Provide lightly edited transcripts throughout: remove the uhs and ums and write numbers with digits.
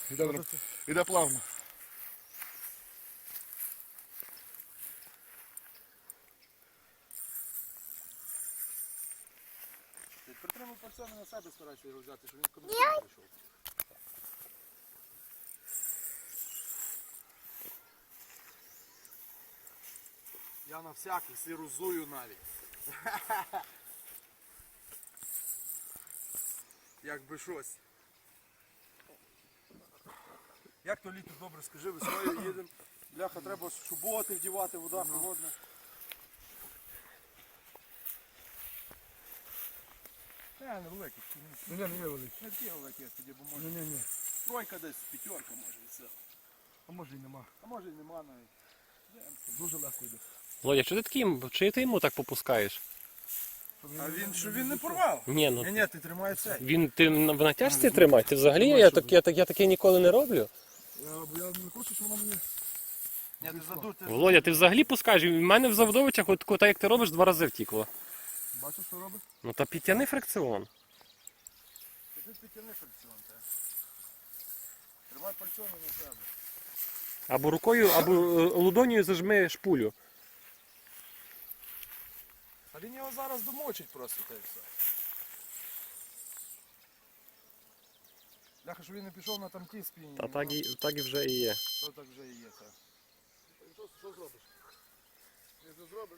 Іде плавно. Притримуй пальцями на себе, старайся його взяти, щоб він комусь не прийшов. Я на всякий сирузую навіть. Якби щось. Як то літо добре, скажи, весною їдемо. Бляха, треба шуботи вдівати, вода холодна. Невеликий. Не великий. Не такі великі, як тоді, бо може. Ні. Тройка десь, п'ятерка може і все. А може і нема. А може і нема навіть. Дуже легко йде. Володя, чи ти таким, чи ти йому так попускаєш? А він, що він не порвав? Ні, ну Ні, ти тримай цей. він ти в натяжці тримай? Ти взагалі я таке ніколи не роблю. Бо я не хочу, щоб воно мені... Ні, ти задур, Володя, ти взагалі пускаєш? В мене в Заводовичах, от так як ти робиш, 2 рази втікло. Бачиш, що робить? Ну та підтяни фрикціон. Ти підтягни фрикціон, так. Тримай пальцями на себе. Або рукою, або лудонію зажми шпулю. А він його зараз домочить просто, та й все. Бляха, що він не пішов на тамкі спінні. Та так і вже і є. То так вже і є, так. Що зробиш? Не зробиш.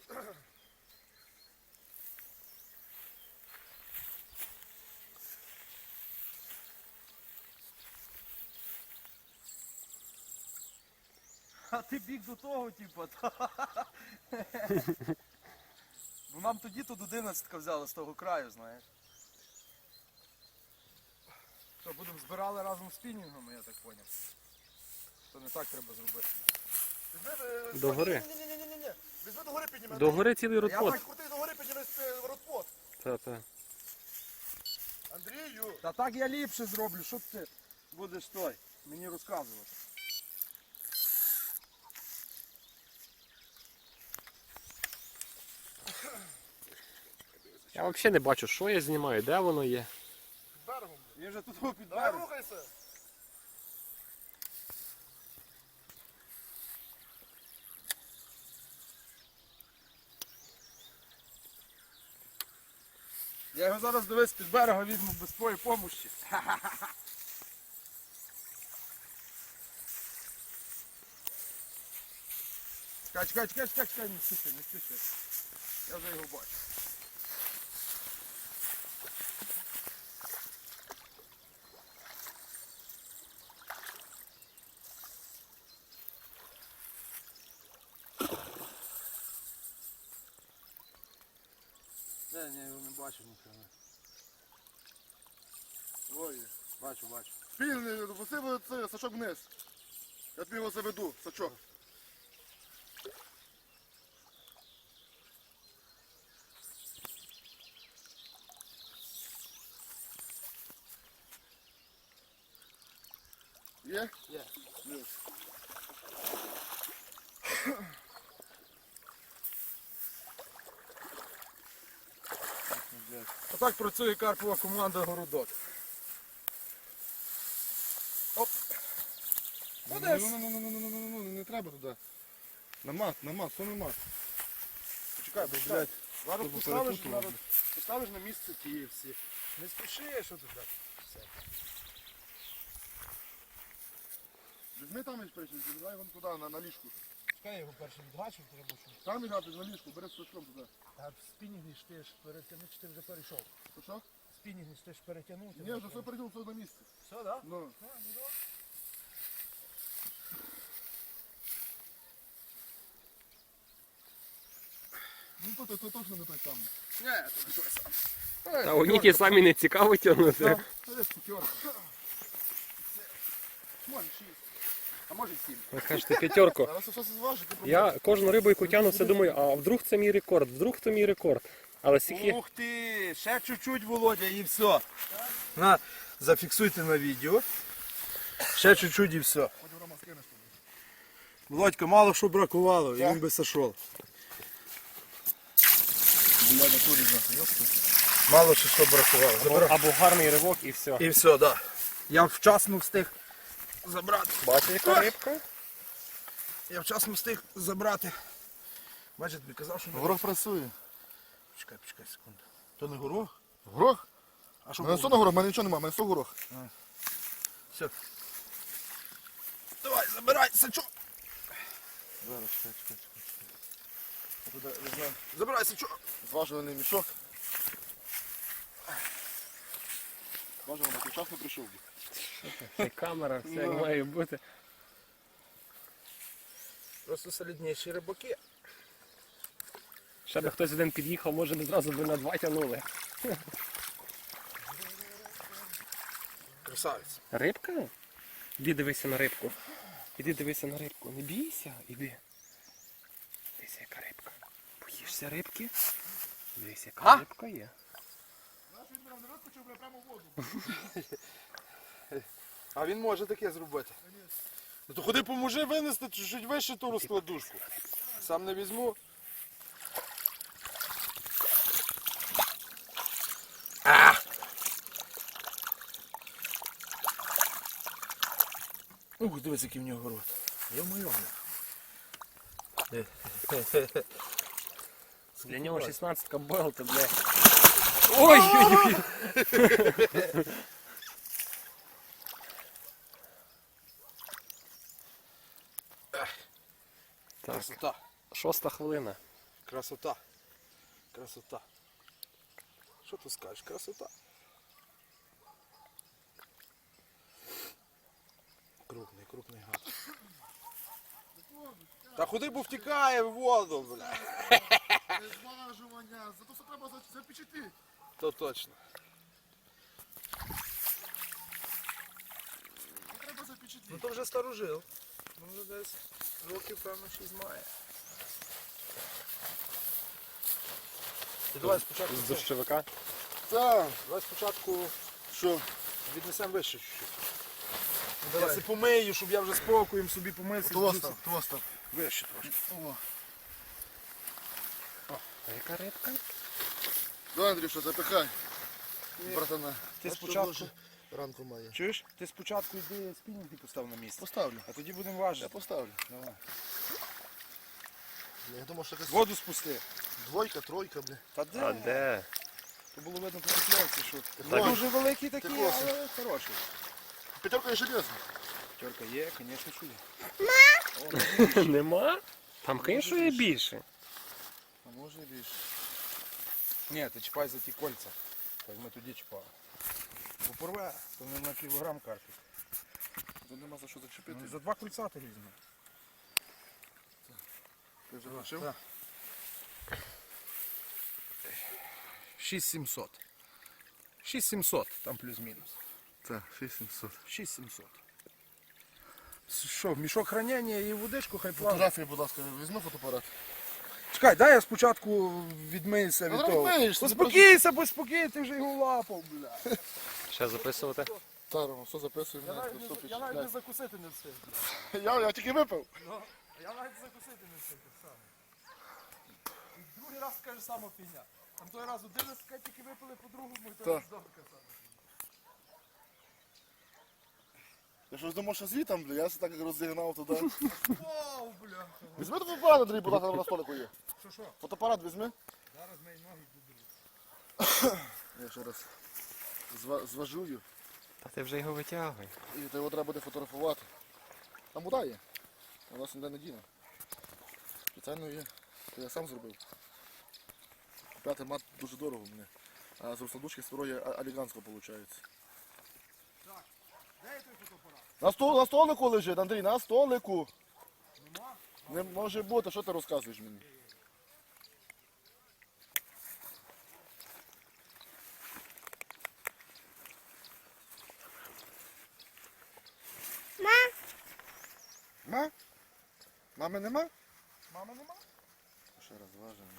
А ти біг до того, типу, бо нам тоді тут 11-ка взяла з того краю, знаєш. Що, будемо збирали разом з спінінгом, я так зрозумів. То не так треба зробити. До гори. Ні. Візьми до гори підніме. До гори цілий Я родпот. так Крути до гори підніме родпот. Та. Андрію. Та так я ліпше зроблю, що ти будеш той, мені розказувати. Я взагалі не бачу, що я знімаю, де воно є. Під берегом. Він вже тут під Давай берегом. рухайся. Я його зараз дивись під берега візьму без твоєї помощі. Чекай, не спіши. Я вже його бачу. Ні, я його не бачу ніхрена. Ой. Бачу. Спільний, допусти це сачок вниз. Я тобі його заведу, сачок. Є? Є. Є. Отак працює карпова команда Городок. Оп. Одес. Ну, не треба туди. На мат, що на мат. Почекай, бо, блядь, Зараз Тобто поставиш, перепутував. поставиш на місце ті всі. Не спіши, що ти так. Все. візьми там і спрячь, віддай вон туди, на ліжку. Чекай, я його перший відгачив, треба що. Там лягати на ліжку, бери з сачком туди. А спінінги ж ти ж перетягнув, чи ти вже перейшов? Що? Спінінги ж ти ж перетягнув. Ні, вже все перейдемо, все на місці. Все, так? Да? Ну. Ну, то точно не той самий. Ні, це не той сам. Та одні ті самі не цікаво тягнути. Це п'ятерка. Може 6. А може 7. Ви кажете, п'ятерку. Зараз все зважить, Я кожну рибу, яку тягну, все думаю, а вдруг це мій рекорд, вдруг це мій рекорд. Але скільки... Ух ти, ще чуть-чуть, Володя, і все. На, зафіксуйте на відео. Ще чуть-чуть і все. Потім Рома скинеш туди. Володька, мало що бракувало, і він би сошов. Бля, на турі знати, Мало що бракувало. Забирай. Або гарний ривок і все. І все, так. Да. Я вчасно встиг забрати. Бачиш, яка рибка? Я вчасно встиг забрати. Бачите, тобі казав, що... Горох працює. Почекай секунду. То не горох? Горох? А що У мене було? все на горох, у мене нічого немає, у мене все горох. Все. Давай, забирай, сачок. Зараз, чекай. Туди візьмемо. Забирай сачок. Зважуваний мішок. Зважуваний, ти вчасно прийшов. Це камера, все як має бути. Просто солідніші рибаки. Ще би хтось один під'їхав, може би зразу би на 2 тягнули. Красавець. Рибка? Іди дивися на рибку. Іди дивися на рибку. Не бійся, іди. Дивися, яка рибка. Боїшся рибки? Дивися, яка рибка є. А він може таке зробити. Ну то ходи поможи винести чуть вище ту розкладушку. Сам не візьму. Ух, дивись, який в нього рот. Йо-моє. Для нього 16-ка болта, бля. Ой-ой-ой! Так, Красота. 6-та хвилина. Красота. Красота. Що ти скажеш? Красота. Крупний гад. Та ходи, бо втікає в воду, бля. Зважування, зато все треба запечати. То точно. Треба запечати. Ну то вже старожил. Ну вже десь років, певно, 6 має. І давай спочатку. З дощовика. Так, Давай спочатку що? віднесемо вище чуть-чуть. Я си помию, щоб я вже спокоєм собі помився. Твостав. Вище трошки. О. А яка рибка? Давай, Андрюша, запихай. Братана. Ти А що спочатку- дуже ранку має. Чуєш? Ти спочатку йди спінінг і постав на місце. Поставлю. А тоді будемо Я важити. поставлю. Давай. Я думав, що якась Воду спусти. двойка, тройка, бля. Та А де? де? То було видно по покльовці, що Так. дуже великий такий, Ти косий. але хороший. П'ятерка є железна. Тьорка є, звісно, що є. Нема? Там, звісно, є більше. А може і більше. Ні, ти чіпай за ті кольця. Так ми тоді чіпали. Бо порве, то не на кілограм карпік. Тут нема за що зачепити. Ну, за 2 кольця ти візьми. Ти вже лишив? Так. 6700. 6700, там плюс-мінус. Так, 6700. 6700. Що, мішок хранення і водичку хай плаває. Фотографії, будь ласка, візьми фотоапарат. Чекай, дай я спочатку відмиюся від Ну, того. відмиєшся, Поспокійся, поспокій, ти вже його лапав, бля. Ще записувати? Таро, все записуємо. Я навіть не закусити не встиг. Я тільки випив. Я навіть закусити не встиг, саме. І другий раз скаже сама фігня. Там той раз 11 тільки випили по-другому, і той Так. раз добре саме. Я щось думав, що звітом, бля, я все так розігнав туди. Вау, бля. Візьми той фотоапарат, Андрій, будь ласка, на столику є. Що? Фотоапарат візьми. Зараз мої ноги будуть. Я ще раз зважую. Та ти вже його витягуй. І його треба буде фотографувати. Там вода є. У нас ніде не діна. Спеціально є. То я сам зробив. Купляти мат дуже дорого мені. А з розкладушки старої аліганського виходить. Так, де є той фотоапарат? На столику лежить, Андрій, на столику. Не може бути, що ти розказуєш мені? Ма? Мами нема? Мами нема? Ще раз важимо.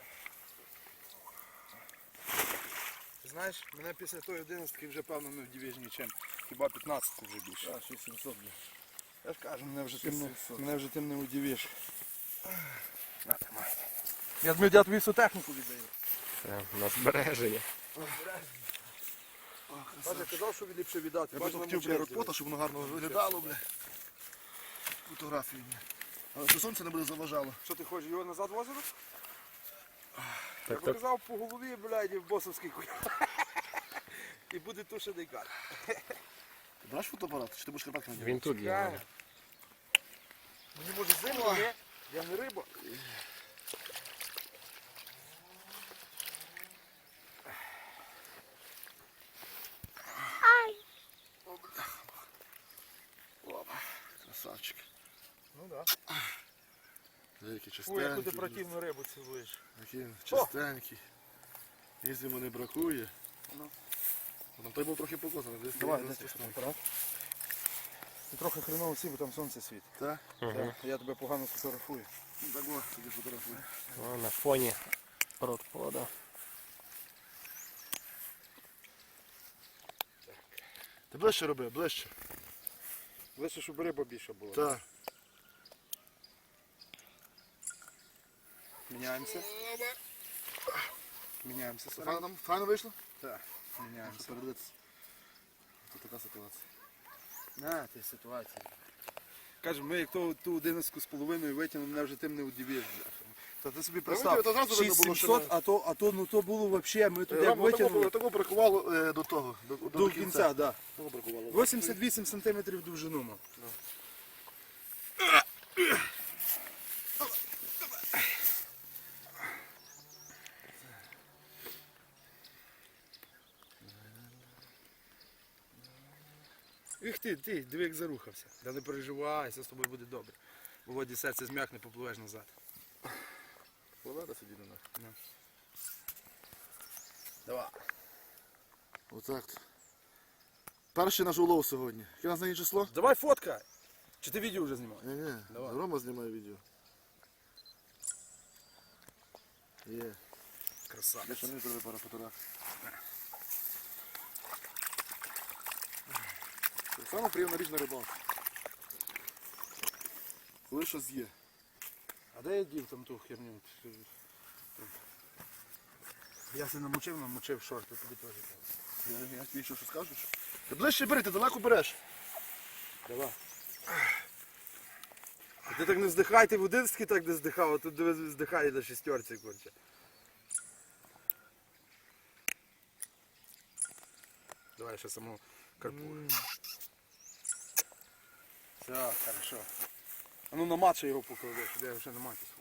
Ти знаєш, мене після тої 11-ки вже певно не вдивиш нічим. Хіба 15-ку вже більше. А, 6700. Я ж кажу, Сімсот. мене вже тим не удивиш. На, тримай. Я тобі всю техніку віддаю. Це на збереження. Бачиш, казав, що ліпше віддати. Я б Бачиш, хотів, бля, ротпота, щоб воно гарно виглядало, бля. Фотографії, бля. Але що сонце не буде заважало. Що ти хочеш, його назад в озеро? Я Так, так. показав по голові, блядь, і в босовський куля. І буде тушений кар. Ти браш фотоапарат, чи ти будеш карпатки надягати? Він тут є. Чекай. Мені може зимно, ні? Я не риба. Опа, красавчик. Ну так. Який Ой, яку ти чистенький. противну рибу цілуєш. Який чистенький. Їсть йому не бракує. Там той був трохи покоцаний. Десь Давай, десь дай десь апарат. Ти трохи хреново сів, бо там сонце світить. Так? Так, я тебе погано сфотографую. Ну так ось, тоді фотографує. О, на фоні родпода. Ти ближче роби, ближче. Лише, щоб риба більше була. Так. Міняємося. Міняємося. Файно вийшло? Так, міняємося. Що передивитися. Це така ситуація. На, ти ситуація. Каже, ми як ту 11,5 витягнемо, мене вже тим не удивиш. Та ти собі видів, представ, то зразу видно було, що 6700, то було взагалі, ми туди Вам витягнули того бракувало до того. до кінця, да. Того бракувало. 88 см довжину мав. Їх ти, диви як зарухався. Та не переживай, все з тобою буде добре. Володі серце зм'якне, попливеш назад. Поведа сиді на нас. Давай. Отак. Перший наш улов сьогодні. Яке у нас нині число? Давай фоткай. Чи ти відео вже знімав? Ні, Давай. Рома знімає відео. Є. Я Красавець. ще не зробив пару фотографій. Це саме приємна річ на рибалці. Коли щось є. А де я дів там ту херню? Я се намочив шорти, тобі теж. Я тобі що скажу? Ти ближче бери, ти далеко береш. Давай. А ти так не здихай, ти в 11 так не здихав, а тут диви, здихає на шістерці, корче. Давай ще самого карпу. Все, хорошо. А ну на мат ще його поклади, щоб я вже на маті.